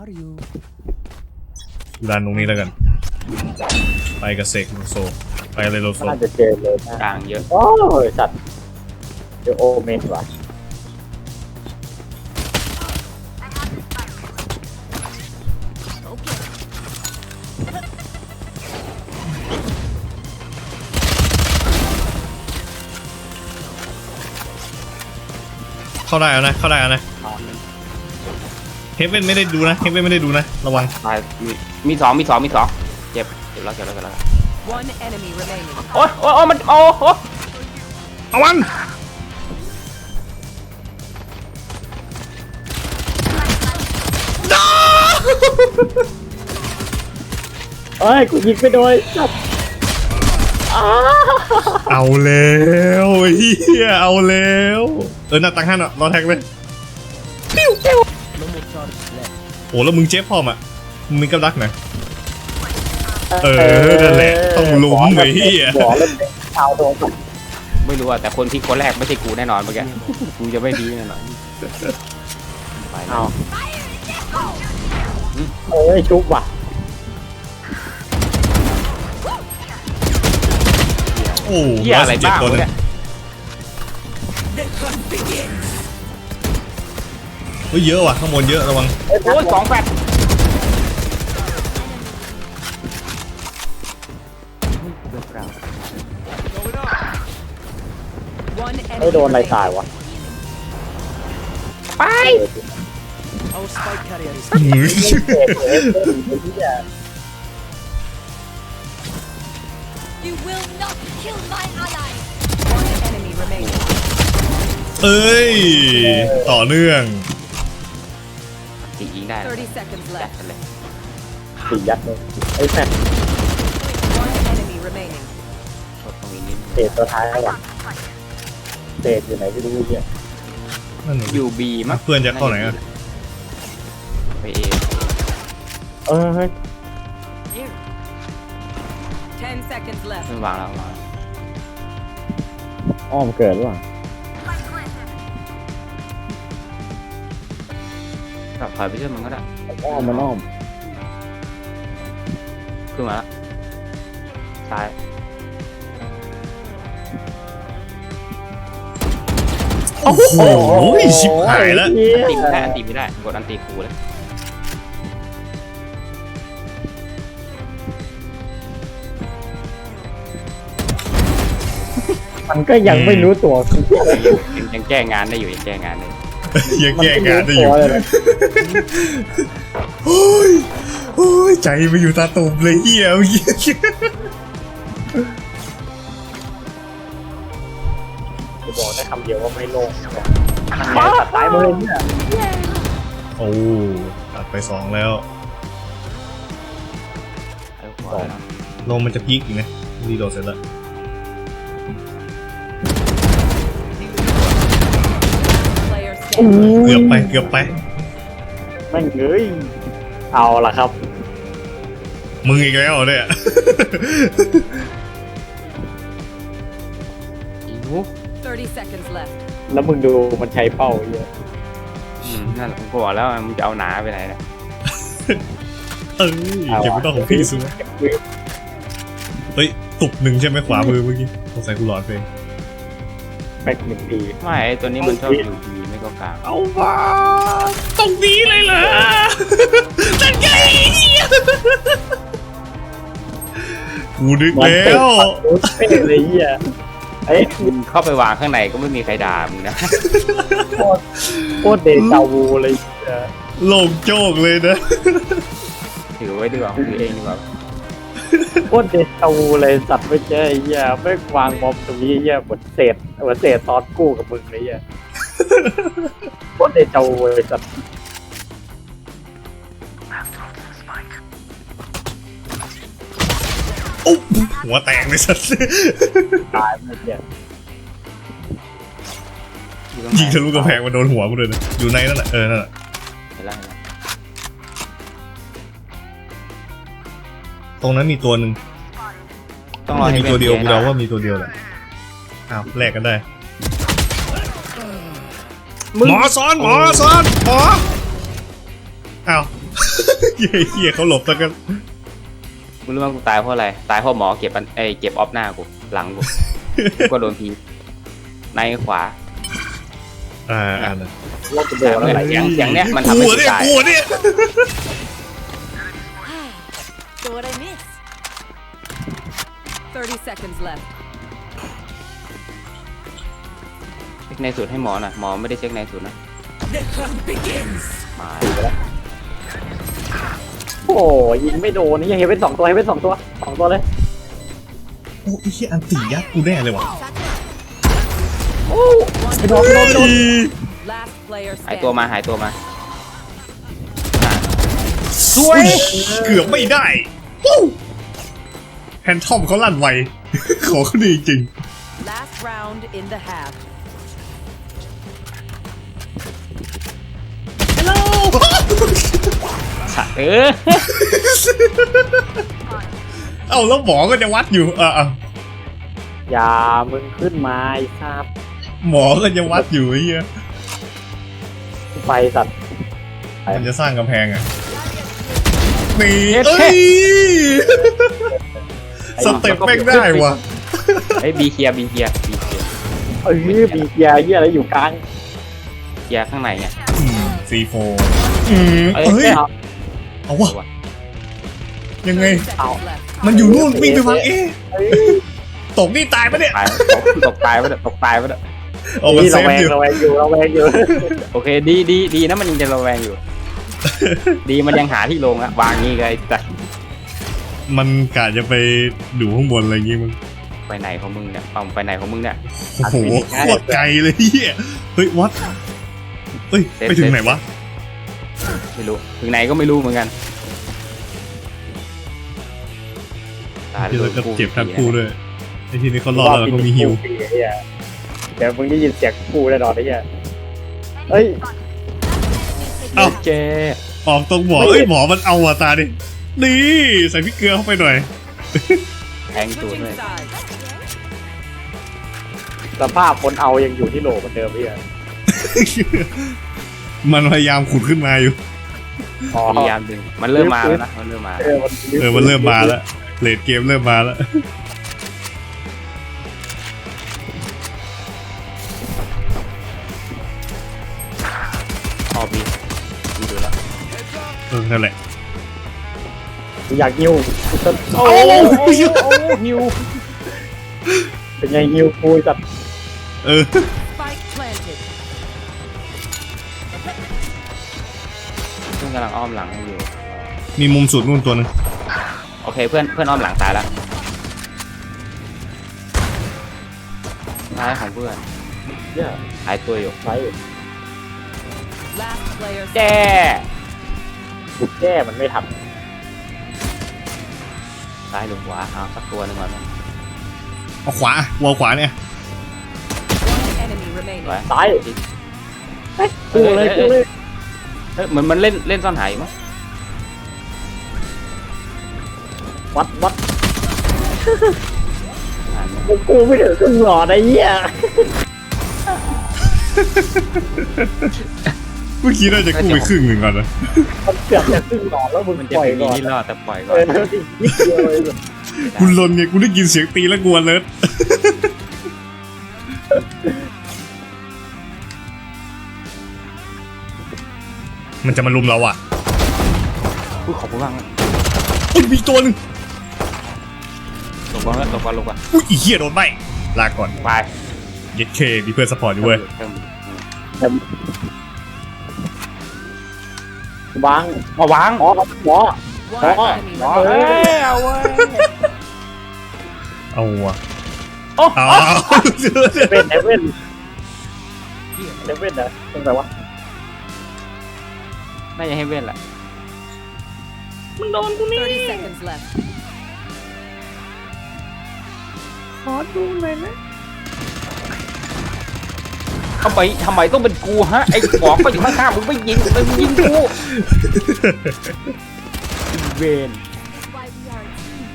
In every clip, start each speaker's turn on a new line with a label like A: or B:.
A: ดันตรงนี้แล้วกันไปกับเซกโลโซไปเลยโลโซ
B: น่าจะเจอเลยนะ
C: กลางเยอะ
B: โอ้ยสัตว์เจอโอเมนว่ะ
A: เข้าได้แล้วนะเข้าได้แล้วนะเฮฟเว่นไม่ได้ดูนะเฮฟเว่นไม่ได้ดูนะระวัง
C: ตายมีสองเจ็บแล้ว
D: One enemy remaining.
C: โอ้ยมันโอ้โห
A: เอามัน
B: เอ้ยกูยิงไปโดยสัตว์
A: เอาแล้วเฮียเอาแล้วหน้าตังหันอ่ะรอแท็กเลยโอ้แล้วมึงเจ็บพร้อมอ่ะมึงมีกับดักไหนนั่นแหละต้องลุ้มไอ้เฮีย
B: หัวเล่นเท้าโดน
C: ไม่รู้อะแต่คนที่คนแรกไม่ใช่กูแน่นอนเมื่อกี้กูจะไม่ดีแน่นอนไป
B: เอาเอ้ยชุบว่ะ
A: โอ้
C: เหี้ยอะไรบ้าง
A: ตัวนึง
C: เนี่ย
A: เฮ้ยเยอะว่ะข้างบนเยอะระวัง
C: โอ้ย2 แฟต
D: One
B: ไม่
D: enemy
B: โดนอะไร
D: remaining.
B: ตายวะ
C: ไป
D: Our spike carrier is
A: มือ
E: You will not kill my ally.
D: one enemy remaining.
A: เอ้ยต่อเนื่อง
C: ตียิงได้
D: 30 seconds
C: จัด
D: left.
C: กันเลย
B: สี่ยัดเลยไอ้แฟน
D: One enemy remaining.
C: ชดตรงนี้นิด
B: เศษตัวท้ายแล้วว่ะเศษอยู่ไหนไม่รู้เนี่ย
A: นั่น
C: อยู่บีมั้ง
A: เพื่อนจะเข้าไหนอ่ะ
C: ไปเอ
B: เฮ้ย
D: 10 seconds left.
C: ไม่วางแล้ว
B: อ้อมเกิดหรือเปล่า
C: กลับถอยไปช่วยมันก็ได้
B: อ้อมมันอ้อม
C: ขึ้นมาแล้วซ้าย
A: โอ้โหชิบหายแล้ว
C: ตีไม่ได้ตีไม่ได้กดอันตีคูเลย
B: มันก็ยังไม่รู้ตัว
C: ยังแก้งานได้อยู่ยังแก้งานได้
A: ยังแก้งานได้อยู่
B: มันไม่รู้ตัวเลยนะ
A: โอ้ยโอ้ยใจไปอยู่ตาตุ่มเลยเฮียเมื่อกี้
B: จะบอกได้คำเดียวว่าไม่โล่งมาตายหมดเลยเนี่ย
A: โอ้ตัดไป2แล้ว ลงมันจะพีคอีกนะรีโหลดเสร็จแล้ว
D: Player
A: เกือบ
D: standing.
A: ไปเกือบไป
B: แม่งเอ้ยเอาล่ะครับ
A: มึงอีกแล้วเหรอเนี่ย
C: อีนุ
D: 30 seconds left.
B: แล้วมึงดูมันใช้เป้าเยอะ
C: นั่นแหละผมก็บอกแล้วมึงจะเอาหนาไปไหนเนี่ย
A: เอ้ยเก็บไม่ต้องของพี่ซูเฮ้ยตุบหนึ่งใช่ไหมขวามือเมื่อกี้สงสัยกูหลอดไป
B: แบ็คหนึ่งที
C: ไม่ไอ้ตัวนี้มันชอบอยู่ดีไม่ก็กลาง
A: เอามาตรงนี้เลยเหรอนั่นไงกูนึกแล้ว
B: ไม่เห็นเลยเหี้ยเอ้ย
C: มึงเข้าไปวางข้างในก็ไม่มีใครด่ามึงนะ
B: โคตรเดจาวูเลยเหี้ย
A: โล่งโจกเลยนะ
C: ถือไว้ดีกว่าถือเองดีกว่า
B: โคตรเดจาวูเลยสัตว์ไม่ใช่ไอ้เหี้ยไม่วางบอมตรงนี้เหี้ยเหมือนเศษตอนกู้กับมึงเลยเหี้ยโคตรเดจาวูเลยสัตว์
A: โอ้หัวแตกเลยสัส
B: ตายหมดเนี่ย
A: ยิงทะลุกระแพงมาโดนหัวกูเลยนะอยู่ในนั่นแหละนั่นแหละ
C: เห็นแล้ว
A: ตรงนั้นมีตัวหนึ่ง
C: ต้องรอให้
A: มีตัวเดียว
C: ป็
A: กู
C: น
A: เดาว่ามีตัวเดียวแหละอ้าวแลกกันได้หมอซ้อนหมออ้าวเหี้ยเขาหลบแล้วกัน
C: มึงรู้ว่ากูตายเพราะอะไรตายเพราะหมอเก็บเก็บออฟหน้ากูหลังกูกูก็โดนทีในขวา
A: นะ
B: ว่าจะโดนอะไร
C: เสียงเนี้ยมันทำให้กูตาย
A: กูเนี่ย
E: So what I miss?
D: 30 seconds left.
C: เช็คในสูตรให้หมอหน่อยหมอไม่ได้เช็คในสูตรนะ
D: The hunt begins.
C: มา
B: โอ้ยิงไม่โดนนี่ยังเห็นเป็น2 ตัวเห็นเป็น2 ตัว2 ตัวเลย
A: โอ้ไอ้เหี้ยอันตียัดกูแน่เลยว่ะ
B: โอ้ไม่โดนไม่โดนไม่โดน
D: Last player
C: หายตัว
D: standing.
C: มาหายตัวมา
A: สวยเกือบไม่ได้แฮนทอมเขาลั่นไว ของเขาดีจริง
D: Last round in the half.
C: เออ
A: เอ้าแล้วหมอก็จะวัดอยู่
B: อย่ามึงขึ้นมาไอ้ทราบ
A: หมอก็จะวัดอยู่ไอ้เหี้ย
B: ไฟสัตว์
A: มันจะสร้างกำแพงอ่ะนี่
C: เท่
A: เอ้ยสเต็ปแม่งได้ว่ะ
C: ไอ้บีเคียร์บีเคียร์บีเคียร์
B: เอ้ยมีเกียร์เหี้ยอะไรอยู่กลาง
C: เคียร์ข้างในไง
A: C4
C: เอ้ย
A: เฮ้ย
B: เอา
A: เอาวะยังไง
D: 30 seconds left.
A: มันอยู่นู่นวิ่งไปวาง
B: เอ้ย
A: ตกนี่ตายปะเนี่ย
C: ตายตกตายไปแล้วตกตายไปแล้ว
A: เอามัน
B: นี่
A: เซ
B: เรา
A: ฟ
B: แวง
A: อยู่
B: เราแวงอยู่เราแวงอยู่
C: โอเคดีนะมันยังจะระแวงอยู่ ดีมันยังหาที่ลงอะวางงี้ไงแต่
A: มันกะจะไปดูข้างบนอะไรอย่างงี้มึง
C: ไปไหนของมึงเนี่ยปั๊มไปไหนของมึงเนี่ย
A: โอ้โหโคตรไกลเลยเฮียเฮ้ยวัดเฮ้ยไปถึงไหนวะ
C: ไม่รู้ถึงไหนก็ไม่รู้เหมือนกันตาย
A: ที่เราก็
C: กู
A: เจ็บทั้งคู่ด้วยไอ้ทีนี้เขารอดแล้วก็มีฮิว
B: เดี๋ยวมึงได้ยินเสียงกูแน่นอนไอ้เหี้ยเฮ้ย
A: เอ้า
C: เจ๊
A: ออกตรงหมอเอ้ยหมอมันเอาอ่ะตาดินี่ใส่พริกเกลือเข้าไปหน่อย
C: แทงตูด
D: Switching
C: เลย
D: sides.
B: สภาพคนเอายังอยู่ที่โหลเหมือนเดิมไอ้เหี้ย
A: มันพยายามขุดขึ้นมาอยู่
B: อ๋อ
C: พยายามดึงมันเริ่มมาแล้วนะมันเริ่มมา
A: มันเริ่มมาแล้วเลดเกมเริ่มมาแล้ว
C: พอบีดูแล้ว
A: นั่นแหละ
B: กูอยากฮิวกูจะ
C: โอ้ฮิว
B: เป็นไงฮิวกูจัด
D: Spike planted.
C: เพื่อนกำลังอ้อมหลังให้อยู่
A: มีมุมสุดนู่นตัวนึง
C: โอเคเพื่อนอ้อมหลังตายแล้วท้ายของเพื่อน
B: เนี่ย
C: หายตัวอยู่
B: ไฟ
D: Last player
C: แจ้
B: กูแก้มันไม่ทัน
C: ซ้ายหรือขวาเอาสักตัวหนึ่งก่อน
A: เอาขวาวอลขวาเนี่ย
D: One enemy remaining.
C: ไว้
B: ซ้ายเฮ้ยกูเลยกูเลย
C: เฮ้ยเหมือนมันเล่นซ่อนหายมั้ง
B: วัดกูไม่ถึงครึ่งหลอดไอ้เหี้ย
A: เมื่อกี้น่าจะกู้ไปครึ่งหนึ่งก่อนนะ
B: มันเกือบจะครึ่งหลอดแล้วมึง
C: มันจะ
B: ปล่อย
C: มี
B: ก่อน
C: นี่รอดแต่ปล่อยก่อ
B: เอน ออีกนิดเดียวเลย
A: กูลนไงกูได้ยินเสียงตีแล้วกลัวเลยมันจะมาลุมเราอ่ะ
C: พูดขอบคุณมากนะ
A: อุ้ยมีตัวนึง
C: ตกก่อนแล้วตกก่อนลงก่อน
A: อุ้ยอีเหี้ยโดนใบลาก่อน
C: ไป
A: เย็ดเคมีเพื่อนสปอร์ตอยู่เว้ย
B: วาง
C: มาวาง
B: หมอหมอ
D: One
B: Oh,
D: enemy
B: oh,
C: เฮ้
D: remaining.
C: ยเอาเว้ย
A: เอาว่ะ
C: โอ้
A: เอา
B: เว่นเว่นเว่นนะตรงไหนวะ
C: น่าจะให้เว้นแหละ
D: 30 seconds left.
C: ทำไมต้องเป็นกูฮะไอ้บอกก็อยู่ข้างๆมึงไม่ยิงกูเวน
E: Why we are a team.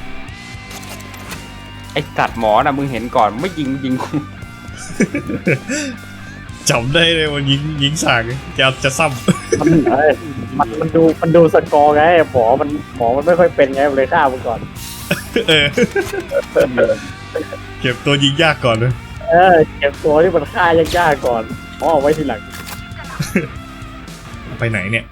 C: ไอ้กัดหมอนะมึงเห็นก่อนไม่ยิงกู
A: จำได้เลยว่ายิงสากจะซ้ำ
B: ทำไหนมันดูสกอร์ไงหมอมันไม่ค่อยเป็นไงมันเลยฆ่ามึงก่อน
A: เออเก็บตัวยิงยากก่อนเลย
B: เก็บตัวที่มันฆ่ายากๆก่อนเอาไว้ทีหลัง
A: ไปไหนเนี่ย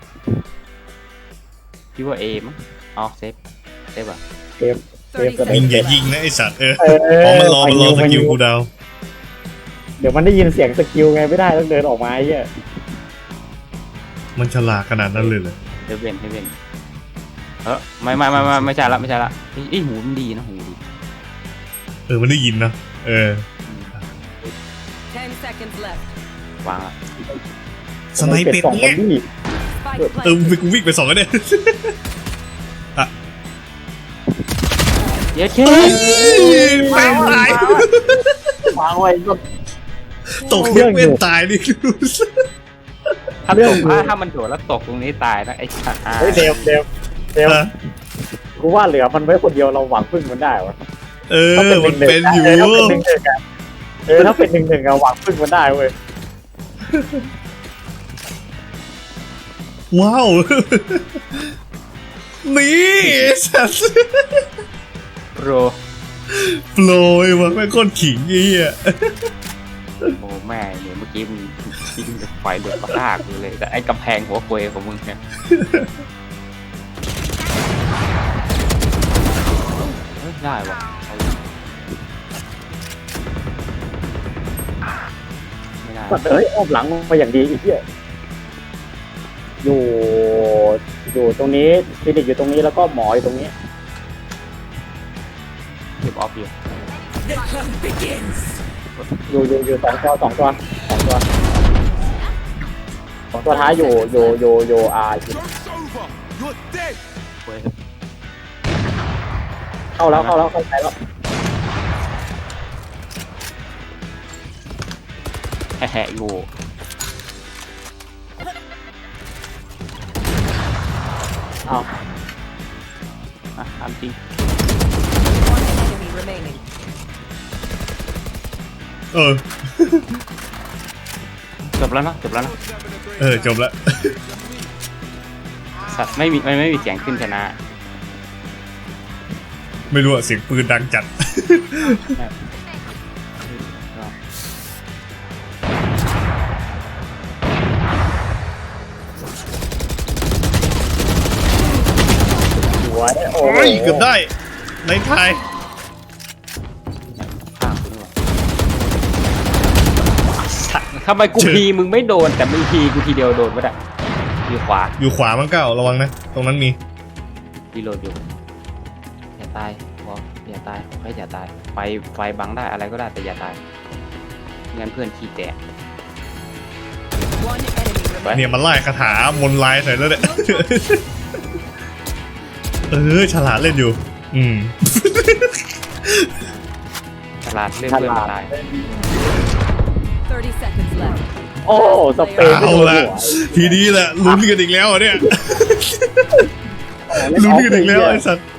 C: คิดว่าเอมั้งอ๋อเซฟอ่ะ
B: เกมก็ได้
A: ยิงอย่ายิงนะไอสัตว์
B: เอ
A: อ๋อมันรอ
B: ไป
A: สกิลกูดาว
B: เดี๋ยวมันได้ยินเสียงสกิลไงไม่ได้ต้องเดินออกมาไอ้เหี้ย
A: มันฉลาดขนาดนั้นเลยเหรอ
C: เฮเว่นไม่ใช่ละไอ้หูมันดีนะหูดี
A: มันได้ยินนะ
D: 10 seconds left.
C: วางละ
A: สไนเป็ด
B: สองค
A: เนี่
B: น
A: ย
B: นี่
D: Spike
A: กูวิ่งไปสองแล้วเนี่ย
C: เย้เช่
A: แม่งตาย
B: วางไว้ก็
A: ตกเยอะเป็นตายนี่คือ
C: ถ้ามันโดดแล้วตกตรงนี้ตายนะไอ้สัตว์
B: เฮ้ยเดวกูว่าเหลือมันไว้คนเดียวเราหวังพึ่งมันได้วะ
A: มันเป็นอยู่
B: ถ้าเป็นหนึ่งอะหวังพึ่งมันได้เว้ย
A: ว้าวนี่สัส
C: โปร
A: โปรยวะแม่งโคตรขิงไอ้เหี้ย
C: โอ้แม่เนี่ยเมื่อกี้มึงยิงไฟเดือดมากเลยแต่ไอ้กำแพงหัวเกยของมึงเนี่ยได้วะไม่ได้
B: เฮ้ยอ้อมหลังมาอย่างดีอีกเหี้ยอยู่ตรงนี้คลินิกอยู่ตรงนี้แล้วก็หมออยู่ตรงนี้
C: เก็บออฟอยู่
B: อยู่สองตัวท้ายอยู่อยู่อยู่เข้าแล้วเข้าใจแล้ว
C: แหะอยู่
B: อ้าว
C: ทำจริง
D: One enemy remaining.
C: จบแล้วนะ
A: จบละ
C: สัตว์ไม่มีเสียงขึ้นชนะ
A: ไม่รู้อะเสียงปืนดังจัด
B: สวยโอ้
A: โอ้ยเกือบได้ในไทย
C: ข้างคุณสัตว์ทำไมกูพีมึงไม่โดนแต่มึงพีกูทีเดียวโดนไม่ได้อยู่ขวา
A: อยู่ขวามันเก้าระวังนะ ตรงนั้นมี
C: รีโหลดอยู่อย่าตายบอกอย่าตายขอให้อย่าตายไฟบังได้อะไรก็ได้แต่อย่าตายงั้นเพื่อนขี้แตก
D: One enemy remaining.
A: เนี่ยมันไล่คาถามนต์ลายใส่แล้วเนี่ย ฉลาดเล่นอยู่
C: ฉลาดเรื่องเพื่อนมาตาย
D: 30 seconds left.
B: โอ้สเปรย์ไม่
A: เอา
B: โดน
A: ละ
B: หัว
A: ทีนี้แหละลุ้นกันอีกแล้วเนี่ยลุ้นกันอีกแล้วไอ้สัตว์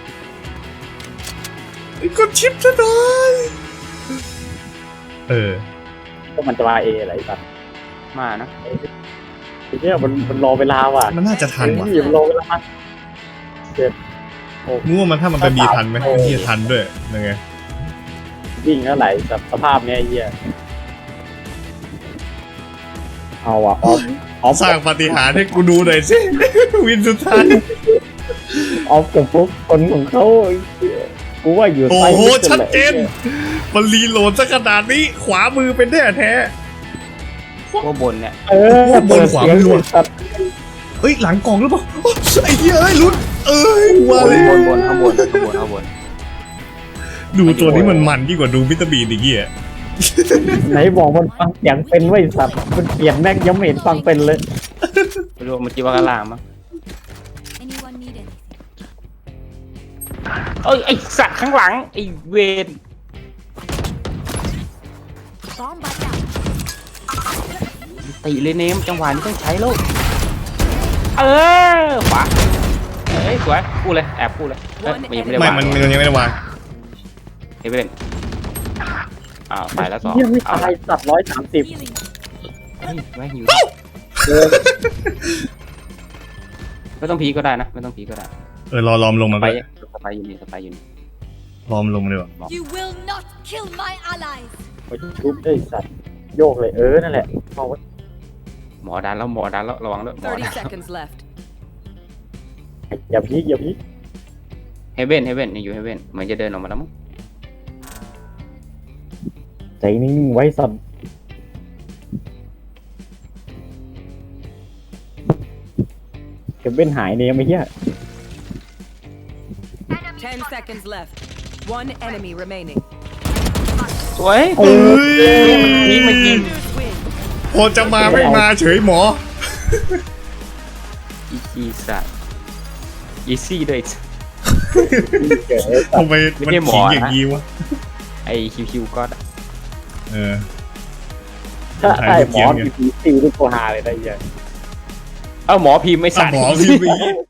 A: กดชิปซะหน่อย
B: ก็มันจะมาเออะไรสัก
C: มานะ
B: ทีเนี้ยมันรอเวลาว่ะ
A: มันน่าจะทันว่ะ
B: มันรอเวลาเจ็บ
A: งูว่ามันถ้ามันเป็นบีทันไหมที่ทันด้วยยังไง
B: วิ่งแล้วไหลสภาพเนี้ยไอ้เหี้ยเอาอ่ะออฟ
A: สร้างปาฏิหาริย์ให้กูดูหน่อยสิ วินสุดท้าย
B: ออฟกับพวกคนของเขาไอ้เหี้ยกูว่าอยู่
A: โอ้
B: ใต้
A: โห
B: ลิฟต์
A: ชัด
B: แหละ
A: เจน มันรีโหลดซะขนาดนี้ ขวามือเป็นแน่แท้
C: ว่าบนเนี่ย
B: เปิดเสียงสัตว์
A: เอ้ยหลังกล่องหรือเปล่าโอ้ไอ้เหี้ยเอ้ยลุ้นว่าเลย
C: บนข้างบน
A: ดูตัวนี้มันยิ่งกว่าดูวิตามินอีกเหี้ย
B: ไหนบอกมันฟังเสียงเป็นไว้สัตว์มันเปลี่ยนแม่งยังไม่เห็นฟังเป็นเลย
C: ไม่รู้เมื่อกี้ว่าข้างล่างมั้ง
E: Anyone need anything?
C: เอ้ยไอสัตว์ข้างหลังไอเวน
E: Bomb buddy out.
C: ตีเลยเนมจังหวะนี้ต้องใช้ลูกขวาสวยพูดเลยแอบพูดเลยยังไม่ได้
A: ไม่
C: วาง
A: มันยังไม่ได้วาง
C: เฮเว่นตายแล้วสอง
B: ยังไม่ตายสัตว์130
E: Healing.
C: ไม่หิวไม่ต้องพีก็ได้นะไม่ต้องพีก็ได้
A: รอลอมลงมา
C: ไป
A: ไป
C: สไปอยู่นี่สไปอยู่นี่
A: ลอมลงเลยว่ะ
E: You will not kill my allies.
B: ไปชุบได้สัตว์โยกเลยนั่นแหละเอาไว้
C: หมอดันแล้วระวังด้วยหมอดัน
D: 30 seconds left.
B: อย่าพีก
C: เฮเว่นอยู่เฮเว่นเหมือนจะเดินออกมาแล้วมั้ง
B: ใจนิ่งไว้สัตว์เก็บเว้นหายเนี่ยไม่เหี้ย
D: 10 seconds left. One enemy remaining.
C: สวย
A: เอ้ย
C: นี่มันยิง
D: Defenders win.
A: พอจะมาไม่มาเฉยหมอ
C: อีสัตว์อีซี่ด้วย
B: เกิด
A: ทำไมมัน
C: ไม่ใช่หมอ
A: ขิง
C: นะ
A: อย่างนี้วะ
C: ไอคิวก็
A: เออ
B: ถ้าได้หมอมีพีซีที่โคฮาเลยนะเหี้ย
C: เอาหมอพิมพ์ไม่
A: อ่ะ
C: สัตว์
A: หมอพิมพ์